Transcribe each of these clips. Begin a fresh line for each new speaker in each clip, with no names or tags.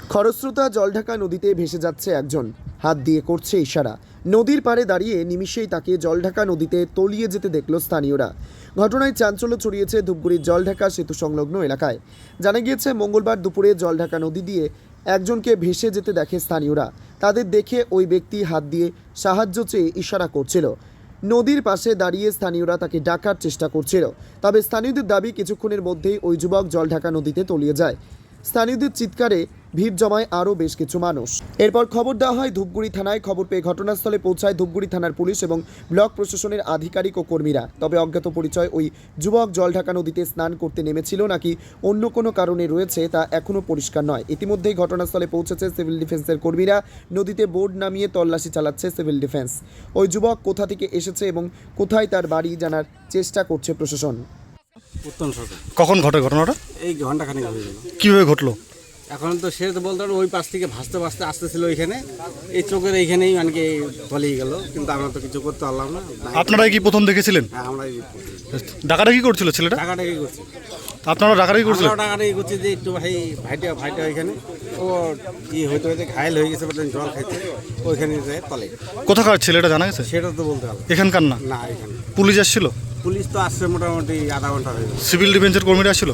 খরস্রোতা জলঢাকা নদীতে ভেসে যাচ্ছে একজন, হাত দিয়ে করছে ইশারা। নদীর পাড়ে দাঁড়িয়ে নিমিষেই তাকে জলঢাকা নদীতে তলিয়ে যেতে দেখল স্থানীয়রা। ঘটনায় চাঞ্চল্য ছড়িয়েছে ধূপগুড়ির জলঢাকা সেতু সংলগ্ন এলাকায়। জানা গিয়েছে, মঙ্গলবার দুপুরে জলঢাকা নদী দিয়ে একজনকে ভেসে যেতে দেখে স্থানীয়রা। তাদের দেখে ওই ব্যক্তি হাত দিয়ে সাহায্য চেয়ে ইশারা করছিল। নদীর পাশে দাঁড়িয়ে স্থানীয়রা তাকে ডাকার চেষ্টা করছিল। তবে স্থানীয়দের দাবি, কিছুক্ষণের মধ্যেই ওই যুবক জলঢাকা নদীতে তলিয়ে যায়। স্থানীয়দের চিৎকারে ভিড় জমায় আরও বেশ কিছু মানুষ। এরপর খবর দেওয়া হয় ধূপগুড়ি থানায়। খবর পেয়ে ঘটনাস্থলে পৌঁছায় ধূপগুড়ি থানার পুলিশ এবং ব্লক প্রশাসনের আধিকারিক ও কর্মীরা। তবে অজ্ঞাত পরিচয় ওই যুবক জলঢাকা নদীতে স্নান করতে নেমেছিল নাকি অন্য কোনো কারণে রয়েছে তা এখনও পরিষ্কার নয়। ইতিমধ্যেই ঘটনাস্থলে পৌঁছেছে সিভিল ডিফেন্সের কর্মীরা। নদীতে বোট নামিয়ে তল্লাশি চালাচ্ছে সিভিল ডিফেন্স। ওই যুবক কোথা থেকে এসেছে এবং কোথায় তার বাড়ি জানার চেষ্টা করছে প্রশাসন।
উত্তম সরকার।
কখন ঘটে ঘটনাটা?
এই ঘন্টাখানেক হয়ে গেল।
কীভাবে ঘটলো?
এখন তো সে তো বলতে পারো ওই পাশ থেকে ভাসতে ভাসতে আসতেছিল ওইখানে, এই চোখের এইখানেই মানে কি তলিয়ে গেল, কিন্তু আমরা তো কিছু করতে পারলাম না।
আপনারাই কি প্রথম দেখেছিলেন?
হ্যাঁ, আমরা
ডাকাডাকি করছিল ছেলেটা?
টাকাটাকি করছি।
আপনারা ডাকাডাকি করছিলেন?
টাকাটাকি করছি যে একটু ভাইটা ওইখানে ও কি হইতে হইতে ঘায়ল হয়ে গেছে, জল খাইতে ওইখানে যায় তলে।
কোথাকার ছেলেটা জানা গেছে?
সেটা তো বলতে পারলাম।
এখানকার না?
না, এখানে।
পুলিশ আসছিল?
পুলিশ তো আসছে মোটামুটি আধা ঘন্টা হয়ে গেল।
সিভিল ডিফেন্সের কর্মীরা আসছিল?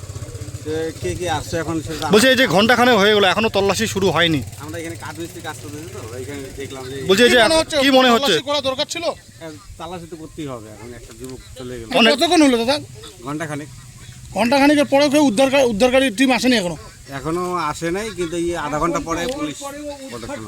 কে কে আসছে এখন সেটা
বলছে এই যে ঘন্টাখানে হয়ে গেল এখনো তল্লাশি শুরু হয়নি।
আমরা এখানে কাঠমিস্ত্রি কাজ করতেছি তো ওইখানে দেখলাম যে
বলছে এই যে কি মনে হচ্ছে?
করা দরকার ছিল,
তালাশি তো করতেই হবে। এখন একটা যুবক চলে গেল।
কতক্ষণ হলো দাদা? ঘন্টাখানেকের পরেও কেউ উদ্ধারকারী টিম আসেনি
এখনো আসে নাই, কিন্তু এই আধা ঘন্টা পরে পুলিশ প্রোটেকশন।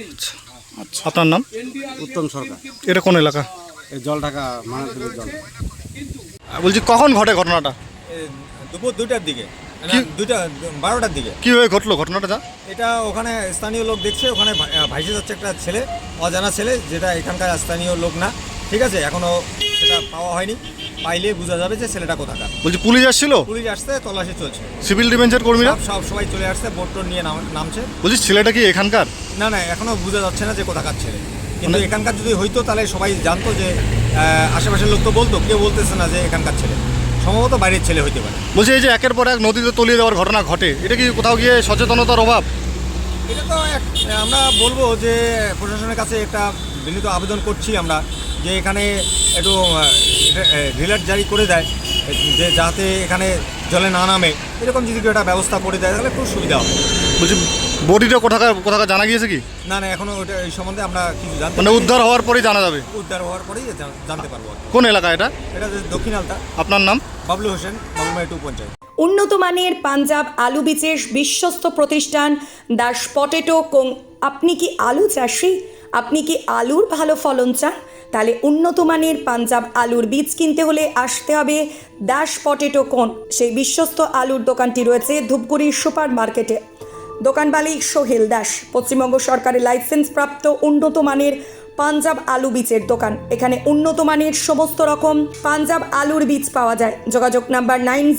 আপনার নাম?
উত্তম সরকার।
এটা কোন এলাকা?
এই জলঢাকা মানাতুলের জল।
বলছি কখন ঘটে ঘটনাটা?
দুপুর 2টার দিকে, 12টার দিকে।
কীভাবে ঘটলো ঘটনাটা?
এটা ওখানে স্থানীয় লোক দেখছে, ওখানে ভাইসে যাচ্ছে একটা ছেলে, অজানা ছেলে, যেটা এখানকার স্থানীয় লোক না। ঠিক আছে, এখনও সেটা পাওয়া হয়নি, পাইলে বোঝা যাবে যে ছেলেটা কোথাকার।
বলছি পুলিশ আসছিল?
পুলিশ আসছে, তল্লাশি চলছে।
সিভিল ডিফেন্সের কর্মীরা
সবাই চলে আসছে, বোট নিয়ে নামছে।
বলছি ছেলেটা কি এখানকার?
না, এখনও বোঝা যাচ্ছে না যে কোথাকার ছেলে, কিন্তু এখানকার যদি হইতো তাহলে সবাই জানতো যে আশেপাশের লোক তো বলতো, কেউ বলতেছে না যে এখানকার ছেলে, সম্ভবত বাইরের ছেলে হইতে পারে।
বলছি এই যে একের পর এক নদীতে তলিয়ে দেওয়ার ঘটনা ঘটে, এটা কি কোথাও গিয়ে সচেতনতার অভাব?
এটা তো আমরা বলবো যে প্রশাসনের কাছে একটা বিনীত আবেদন করছি আমরা, যে এখানে একটু রিলার জারি করে দেয়, যে যাতে এখানে জলে না নামে, এরকম যদি একটা ব্যবস্থা করে দেয় তাহলে খুব সুবিধা হবে।
বলছি বডিটা কোথাকার জানা গিয়েছে কি?
না, এখনো ওটা এই সম্বন্ধে আমরা কিছু জানতে,
মানে উদ্ধার হওয়ার পরেই জানা যাবে?
উদ্ধার হওয়ার পরেই জানতে পারবো।
কোন এলাকা এটা?
এটা দক্ষিণ আলতা।
আপনার নাম?
বাবলু হোসেন, বাবুমাই 2 পঞ্চায়েত।
উন্নত মানের পাঞ্জাব আলু বীজের বিশ্বস্ত প্রতিষ্ঠান দাস পটেটো কোং। আপনি কি আলু চাষি? আপনি কি আলুর ভালো ফলন চান? তাহলে উন্নত মানের পাঞ্জাব আলুর বীজ কিনতে হলে আসতে হবে দাস পটেটো কোং। সেই বিশ্বস্ত আলুর দোকানটি রয়েছে ধূপগুড়ির সুপার মার্কেটে। দোকান মালিক সোহেল দাস। পশ্চিমবঙ্গ সরকারের লাইসেন্স প্রাপ্ত উন্নত মানের পাঞ্জাব আলু বীজের দোকান। এখানে উন্নত মানের সমস্ত রকম পাঞ্জাব আলুর বীজ পাওয়া যায়। যোগাযোগ নাম্বার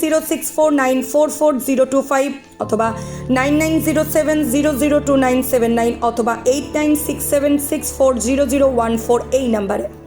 9064944025 অথবা 9907002979 অথবা 8967640014 এই নাম্বারে।